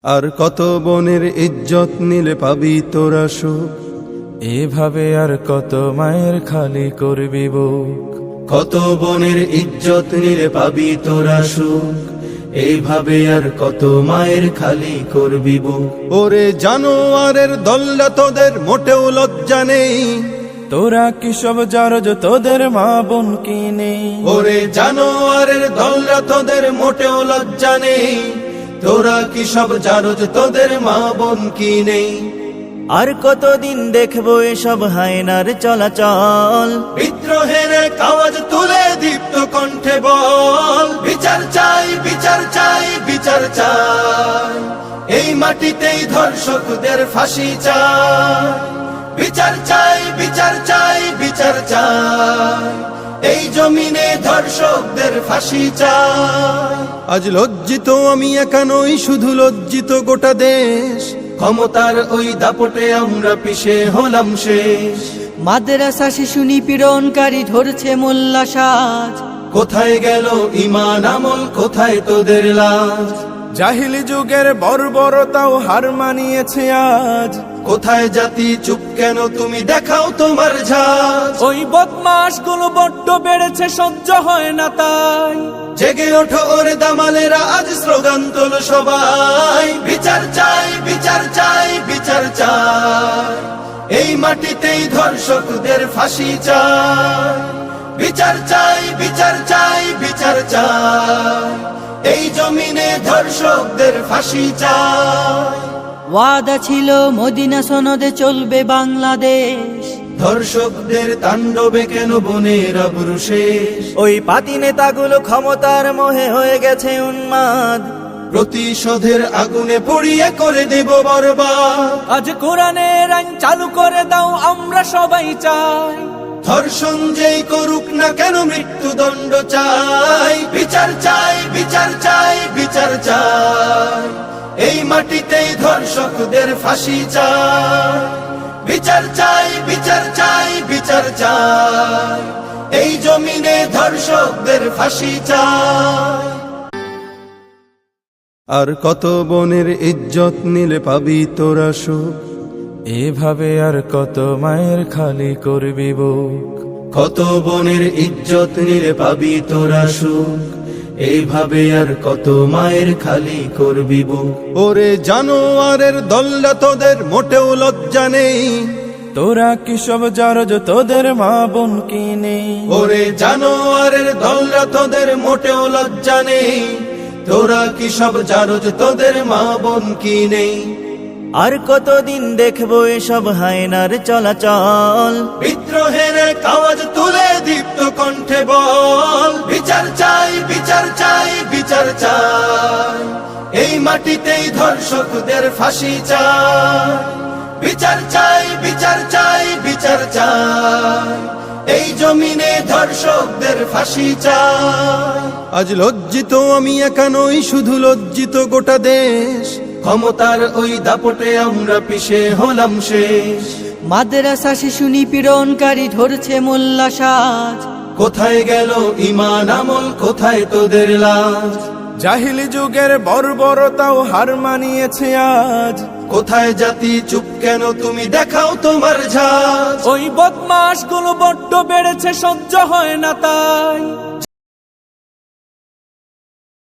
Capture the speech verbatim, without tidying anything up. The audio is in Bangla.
আর কত বনের ইজ্জত নিলে পাবি তোরা সুখ, এভাবে আর কত মায়ের খালি করবি বুক। কত বনের ইজ্জত নিলে পাবি তোরা সুখ, এইভাবে আর কত মায়ের খালি করবি বুক। ওরে জানোয়ারের দল্লা তোদের মোটেও লজ্জা নেই, তোরা কি সব জারজ তোদের মা বোন কি নেই? ওরে জানোয়ারের দল্লা তোদের মোটেও লজ্জা নেই, তোরা কি সব জারজ তোদের মা বোন কি নেই? আর কতদিন দেখবো এসব হায়নার চলাচল, বিদ্রোহের আওয়াজ তুলে দীপ্ত কণ্ঠে বল, বিচার চাই বিচার চাই বিচার চাই, এই মাটিতেই ধর্ষকদের ফাঁসি চাই। বিচার চাই বিচার চাই বিচার চাই, এই জমিনে ধর্ষকদের ফাঁসি চাই। আজ লজ্জিত আমি একা নই, শুধু লজ্জিত গোটা দেশ, ক্ষমতার ওই দাপটে আমরা পিছে হলাম শেষ। মাদ্রাসা শিশু নিপীড়নকারী ধরছে মোল্লা সাজ, কোথায় গেল ঈমান আমল, কোথায় তোদের লাজ? জাহিলি যুগের বর্বরতাও হার মানিয়েছে আজ, কোথায় জাতি চুপ কেন, তুমি দেখাও তোমার ঝাঁজ। ওই বদমাশ গুলো বড্ড বেড়েছে, সহ্য হয় না তাই। জেগে ওঠো ওরে দামালেরা, আজ স্লোগান তোলো সবাই, বিচার চাই বিচার চাই বিচার চাই, এই মাটিতেই ধর্ষকদের ফাঁসি চাই। বিচার চাই বিচার চাই বিচার চাই, এই জমিনে ধর্ষকদের ফাঁসি চাই। ওয়াদা ছিল মদিনা সনদে চলবে বাংলাদেশ, ধর্ষকদের তাণ্ডবে কেন বনের আবরু শেষ? ওই পাতি নেতাগুলো ক্ষমতার মোহে হয়ে গেছে উন্মাদ, প্রতিশোধের আগুনে পুড়িয়ে করে দেব বরবাদ। আজ কোরআনের আইন চালু করে দাও, আমরা সবাই চাই। ধর্ষণ যেই করুক না কেন মৃত্যুদণ্ড চাই। বিচার চাই বিচার চাই বিচার চাই, এই মাটিতেই ধর্ষকদের ফাঁসি চাই। বিচার চাই বিচার চাই বিচার চাই, এই জমিনে ধর্ষকদের ফাঁসি চাই। আর কত বনের ইজ্জত নিলে পাবি তোরা সুখ, এভাবে আর কত মায়ের খালি করবি বুক। কত বনের ইজ্জত নিলে পাবি তোরা সুখ, এইভাবে আর কত মায়ের খালি করবি বুক। ওরে জানোয়ারের দল্লা তোদের মোটেও লজ্জা নেই, তোরা কি সব জারজ তোদের মা বোন কি নেই? ওরে জানোয়ারের দল্লা তোদের মোটেও লজ্জা নেই, তোরা কি সব জারজ তোদের মা বোন কি নেই? আর কতদিন দেখবো এসব হায়নার চলাচল, বিদ্রোহের আওয়াজ তুলে দীপ্ত কণ্ঠে বল, বিচার চাই বিচার চাই বিচার চাই, এই মাটিতেই ধর্ষকদের ফাঁসি চাই। বিচার চাই বিচার চাই বিচার চাই, এই জমিনে ধর্ষকদের ফাঁসি চাই। আজ লজ্জিত আমি একা নই, শুধু লজ্জিত গোটা দেশ, ক্ষমতার ওই দাপটে আমরা পিছে হলাম শেষ। মাদ্রাসা শিশু নিপীড়নকারী ধরছে মোল্লা সাজ, কোথায় গেল ঈমান আমল, কোথায় তোদের লাজ? জাহিলি যুগের বর্বরতাও হার মানিয়েছে আজ, কোথায় জাতি চুপ কেন, তুমি দেখাও তোমার ঝাঁজ। ওই বদমাশ গুলো বড্ড বেড়েছে, সহ্য হয় না তাই।